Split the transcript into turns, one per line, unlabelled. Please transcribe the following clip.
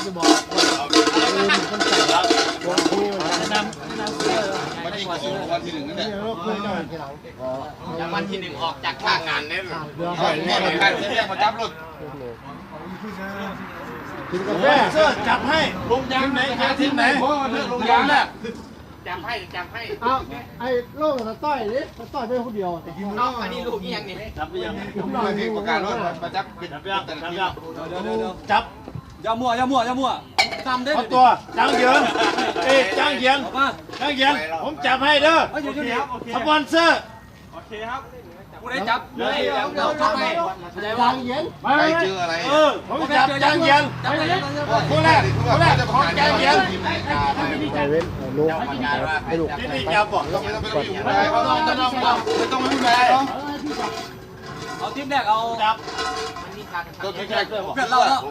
จะบอกคนใส่แล้วนำเสื้อ
วันที่วันที่หนึ่งนั่นแหละ
อย่างวันที่หนึ่งออกจากท่างานเนี่ย
เนี่ยเหมือนกันเรียกมาจับรถ
แม่เสื้อจับให้ลงยางไหนทีมไหนลงยางน่ะ
จำให้
เอาไอ้โล่งกับต้อยนี่ต้อยเป็นคนเดียว
เอาอันนี้ลูกยังนี่
จับไปยัง
ไม่มีประกาศรถมาจับปิดแต่ละที
จับ
อย่ามั่วทำได้
เอาตัวจังเยียงจังเยียงจังเยียงผมจับให้เด้อสปอนเซอร์
กูได้จับ
เราทำไม
จังเยียง
ใครเจออะไร
ผมจับจังเยียงผู้แรกของจังเยียง
ไปเว้นลูกให้ลูก
ที่นี่จับบอก
ไม่ต้องไปอยู่ไหนเขาต้องไม่ไหน
เอาทีมแรกเอา
จับ
มันมีการ
ตัวแค่
เพื่อนเราแล้ว